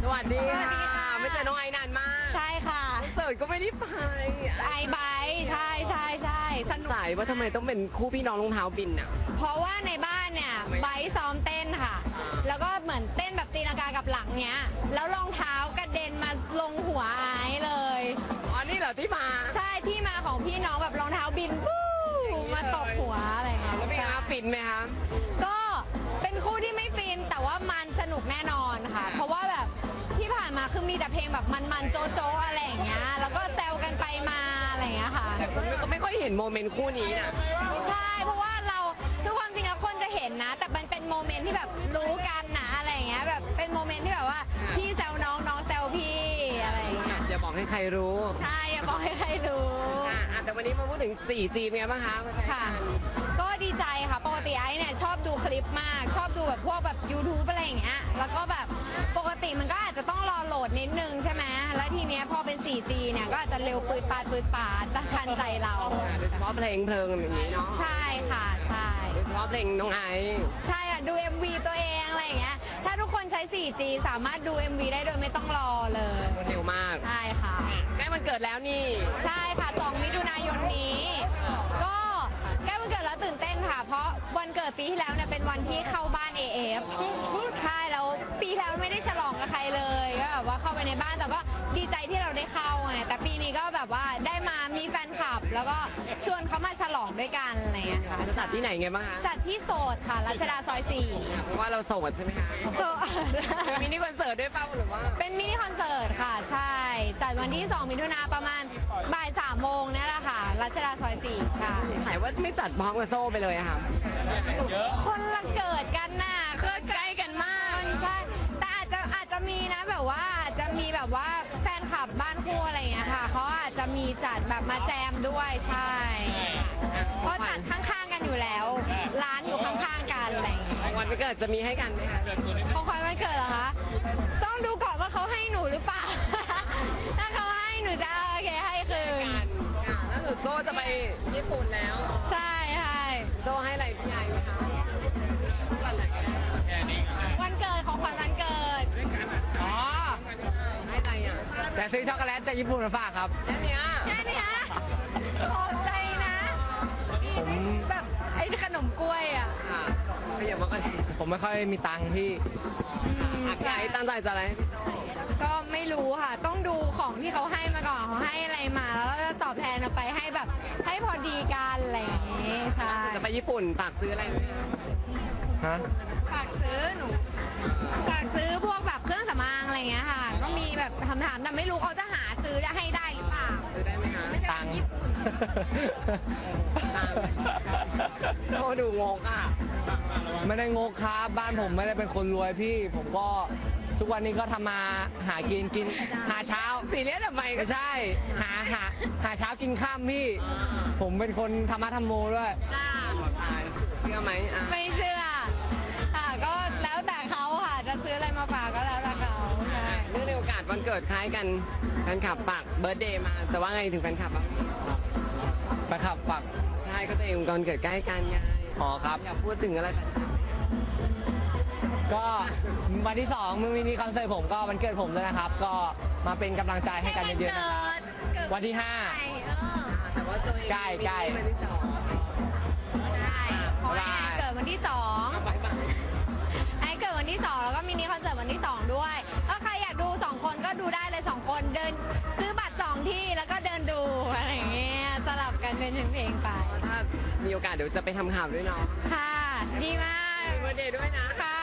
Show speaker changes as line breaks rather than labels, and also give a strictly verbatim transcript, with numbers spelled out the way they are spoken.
สวัสดีค่ะไม่เจอน้องไอ้นานมาก
ใช่ค่ะ
เสิร์ตก็ไม่ได้ไป
ไอไบใช่ใช่ใช่สนุก
สายว่าทำไมต้องเป็นคู่พี่น้องรองเท้าบินอ่ะ
เพราะว่าในบ้านเนี่ยไบซ้อมเต้นค่ะแล้วก็เหมือนเต้นแบบตีลังกากับหลังเนี้ยแล้วรองเท้ากระเด็นมาลงหัวไอเลย
อ๋อนี่เหรอที่มา
ใช่ที่มาของพี่น้องแบบรองเท้าบินปู้มาตบหัวอะไรเงี้ย
แล้วเป็นไงฟินไหมคะ
ก็เป็นคู่ที่ไม่ฟินแต่ว่ามันสนุกแน่นอนค่ะเพราะว่าแบบที่ผ่านมาคือมีแต่เพลงแบบมันๆโจ๊ะโจ๊ะอะไรอย่างเงี้ยแล้วก็แซวกันไปมาอะไรอย่างเงี้ยค่ะ
แต่คนก็ไม่ค่อยเห็นโมเมนต์คู่นี้นะ
ใช่เพราะว่าเราคือความจริงแล้วคนจะเห็นนะแต่มันเป็นโมเมนต์ที่แบบรู้กันนะอะไรอย่างเงี้ยแบบเป็นโมเมนต์ที่แบบว่าพี่แซวน้องน้องแซวพี่อะไรอย่างเงี้ย
อย่าบอกให้ใครรู้
ใช่อย่าบอกให้ใครรู้
อ่ะแต่วันนี้มาพูดถึง โฟร์จี เป็นไงบ้างคะ
ค่ะก็ดีใจค่ะปกติไอ้เนี่ยชอบดูคลิปมากชอบดูแบบพวกแบบ YouTube อะไรอย่างเงี้ยแล้วก็แบบปกติมันก็อาจจะต้องรอโหลดนิดนึงใช่ไหมแล้วทีเนี้ยพอเป็น โฟร์จี เนี่ยก็อาจจะเร็วปืดปาดปืดปาดทันใจเรา
โดยเฉพาะเพลงเพลิงอย่างนี้เนาะ
ใช่ค่ะใช่
โดยเฉพาะเพลงน้องไอซ์
ใช่อ่ะดู เอ็ม วี ตัวเองอะไรอย่างเงี้ยถ้าทุกคนใช้ โฟร์จี สามารถดู เอ็ม วี ได้โดยไม่ต้องรอเลย
เร็วมาก
ใช่ค่ะ
ใกล้วันเกิดแล้วนี่
ใช่ค่ะสองมิถุนายนนี้ก็ใกล้วันเกิดแล้วตื่นเต้นค่ะเพราะวันเกิดปีที่แล้วเนี่ยเป็นวันที่เข้าบ้าน เอ เอฟ ใช่แล้วปีที่แล้วไม่ได้ฉลองกับใครเลยก็แบบว่าเข้าไปในบ้านแต่ก็ดีใจที่เราได้เข้าไงแต่ปีนี้ก็แบบว่าได้มามีแฟนคลับแล้วก็ชวนเขามาฉลองด้วยกันอะไรอย่างเงี้ยค่ะ
จัดที่ไหนไงบ้างคะ
จัดที่โสดค่ะรัชดาซอยสี่
เพราะว่าเราโสดใช่ไหมคะ
โสด
มินิคอนเสิร์ตด้วยเปล่าหรือว่า
เป็นมินิคอนเสิร์ตค่ะใช่จัดวันที่สองมิถุนาประมาณบ่ายสามโมงนี่แหละค่ะรัชดาซอยสี่ใช่
หายว่าไม่จัดพร้อมกับโซ่ไปเลยค่ะ
คนละเกิดกันน่ะคือใกล้กันมากใช่แต่อาจจะอาจจะมีนะแบบว่าอาจจะมีแบบว่าแฟนคลับบ้านคู่อะไรอย่างเงี้ยค่ะเขาอาจจะมีจัดแบบมาแจมด้วยใช่เพราะจัดข้างๆกันอยู่แล้วร้านอยู่ข้างๆกันอะไรอย่างเงี้ย
วันวันเกิดจะมีให้กันไหมคะ
ของขวัญวันเกิดเหรอคะต้องดูก่อนว่าเขาให้หนูหรือเปล่าถ้าเขาให้หนูจะโอเคให้คืน
แล้วหนูโซ่จะไปญี่ปุ่นแล้ว
ใช่ใช่
โซ่ให้อะไรพี่ใหญ่ไหมคะ
วันเกิดของขวัญวันเกิด
อ๋อให้อะไรอ่ะ
แต่ซื้อช็อกโกแลตจากญี่ปุ่นมาฝากครับ
แค่นี้
แค่นี้ขอบใจนะผมแบบไอ้ขนมกล้วยอ่ะ
ไม่อยากมาก็
ผมไม่ค่อยมีตังค์พี่
พี่ไอ้ตั้งใจจะอะไร
ก็ไม่รู้ค่ะ ต้องดูของที่เขาให้มาก่อนเขาให้อะไรมาแล้วเราจะตอบแทนเอาไปให้แบบให้พอดีกันอะไรอย่างงี้ใช่
จะไปญี่ปุ่นฝากซื้ออะไรไหม
ฮะ
ฝากซื้อหนูฝากซื้อพวกแบบเครื่องสำอางอะไรเงี้ยค่ะก็มีแบบคำถามแต่ไม่รู้เขาจะหาซื้อได้ให้ได้หรือเปล่า
ซื้อได้ไหมคะ
ตังค์ญี่ปุ่น
โซ่ดูงงอ่ะ
ไม่ได้งกครับบ้านผมไม่ได้เป็นคนรวยพี่ผมก็ทุกวันนี้ก็ทำมาหากินกินหาเช้า
สีเลี้ยทำไม
ไม่ใช่หาหาหาเช้ากินข้ามพี่ผมเป็นคนธรรมะธรรมโมด้วย
เชื่อไหม
ไม่เชื่อค่ะก็แล้วแต่เขาค่ะจะซื้ออะไรมาฝากก็แล้วแต่เขาใช่
เนื่องในโอกาสวันเกิดคล้ายกันแฟนคลับฝากเบิร์ธเดย์มาแต่ว่าไงถึงแฟนคลับอ่ะ
แฟนคลับฝาก
ใช่ก็ตัวเองวันเกิดใกล้กันไง
อ๋อครับ
อยากพูดถึงอะไร
ก็วันที่สองมือมินิคอนเสิร์ตผมก็วันเกิดผมด้วยนะครับก็มาเป็นกำลังใจให้กันเยอะๆนะครับวันที่ห้า
แต่ว่าตัวเอง
ใกล้ใกล้
วันที่สอง
ได้เพราะไอ้เกิดวันที่สองไอ้เกิดวันที่สองแล้วก็มินิคอนเสิร์ตวันที่สองด้วยก็ใครอยากดูสองคนก็ดูได้เลยสองคนเดินซื้อบัตรสองที่แล้วก็เดินดูอะไรอย่างเงี้ยสลับกันเป็นเพลงๆไป
ถ้ามีโอกาสเดี๋ยวจะไปทำข่าวด้วยเนาะ
ค่ะดีมาก
วันเดย์ด้วยนะ
ค่ะ